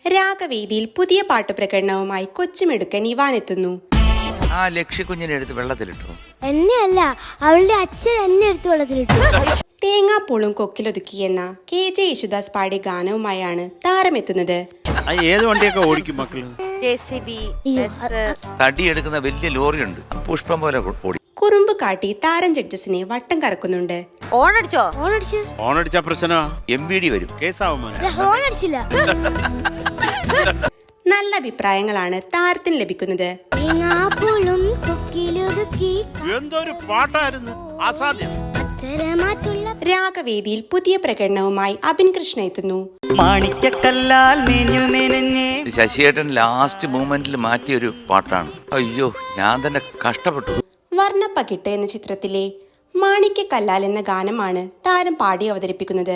രാഗവേദിയിൽ പുതിയ പാട്ടുപ്രകടനവുമായി കൊച്ചുമിടുക്കൻ ഇവാൻ എത്തുന്നു. ആ ലക്ഷ്യക്കുഞ്ഞിനെ എടുത്ത് വെള്ളത്തിലിട്ടു. എന്നെയല്ല, അവളുടെ അച്ഛൻ എന്നെ എടുത്ത് വെള്ളത്തിലിട്ടു. തേങ്ങാപ്പൂളും കൊക്കിലൊതുക്കിയെന്ന KJ യേശുദാസ് പാടിയ ഗാനവുമായാണ് താരമെത്തുന്നത്. ഏത് വണ്ടിയൊക്കെ ഓടിക്കും മക്കള്? തടിയെടുക്കുന്ന വലിയ ലോറിയുണ്ട്, പുഷ്പം പോലെ ഓടി. കുറുമ്പ് കാട്ടി താരം ജഡ്ജസിനെ വട്ടം കറക്കുന്നുണ്ട്. ഓണടിച്ച പ്രശ്നമാ, MVD വരും. കേസാവും. ഹോണടിച്ചില്ല. നല്ല അഭിപ്രായങ്ങളാണ് താരത്തിന് ലഭിക്കുന്നത്. തേങ്ങാപ്പൂളും കൊക്കിലൊതുക്കി എന്തൊരു പാട്ടായിരുന്നു, അസാധ്യം. രാഗവേദിയിൽ പുതിയ പ്രകടനവുമായി അബിൻ കൃഷ്ണ എത്തുന്നു. മാണിക്കല്ലാൽ മേഞ്ഞു മെനഞ്ഞേ. ശശിയേട്ടൻ ലാസ്റ്റ് മൂമെന്റിൽ മാറ്റിയൊരു പാട്ടാണ്. അയ്യോ, ഞാൻ തന്നെ കഷ്ടപ്പെട്ടു. വർണ്ണപ്പകിട്ട് എന്ന ചിത്രത്തിലെ മാണിക്യക്കല്ലാൽ എന്ന ഗാനമാണ് താരം പാടി അവതരിപ്പിക്കുന്നത്.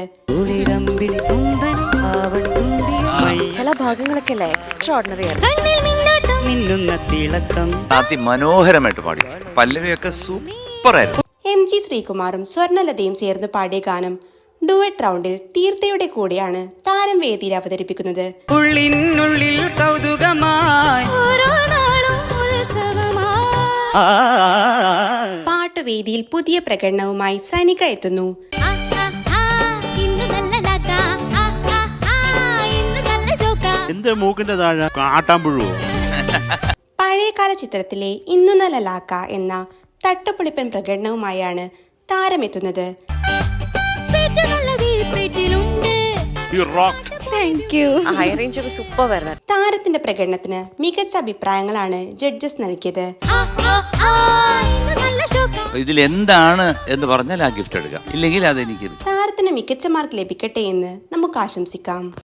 ചില ഭാഗങ്ങളൊക്കെ എക്സ്ട്രാordinary ആണ്. മിന്നുന്ന തിളക്കം അതിമനോഹരമായിട്ട് പാടി. പല്ലവിയൊക്കെ സൂപ്പറായിരുന്നു. MG ശ്രീകുമാറും സ്വർണലതയും ചേർന്ന് പാടിയ ഗാനം ഡുവറ്റ് റൗണ്ടിൽ തീർത്ഥയുടെ കൂടെയാണ് താരം വേദിയിൽ അവതരിപ്പിക്കുന്നത്. ഉള്ളിനുള്ളിൽ കൗതുകമായി പാട്ടുവേദിയിൽ പുതിയ പ്രകടനവുമായി സനിക എത്തുന്നു. എന്ത് മൂക്കിന്റെ താഴെ ആട്ടാമ്പുഴുവോ? പഴയകാല ചിത്രത്തിലെ ഇന്നു നല്ല ലാക്ക എന്ന തട്ടുപൊളിപ്പൻ പ്രകടനവുമായാണ് താരമെത്തുന്നത്. ഹൈ റേഞ്ച് ഒക്കെ സൂപ്പർ വരുന്നത്. താരത്തിന്റെ പ്രകടനത്തിന് മികച്ച അഭിപ്രായങ്ങളാണ് ജഡ്ജസ് നൽകിയത്. ഇതിൽ എന്താണ് എന്ന് പറഞ്ഞാൽ ആ ഗിഫ്റ്റ് എടുക്കാം, ഇല്ലെങ്കിൽ അതെനിക്ക്. താരത്തിന് മികച്ച മാർക്ക് ലഭിക്കട്ടെ എന്ന് നമുക്ക് ആശംസിക്കാം.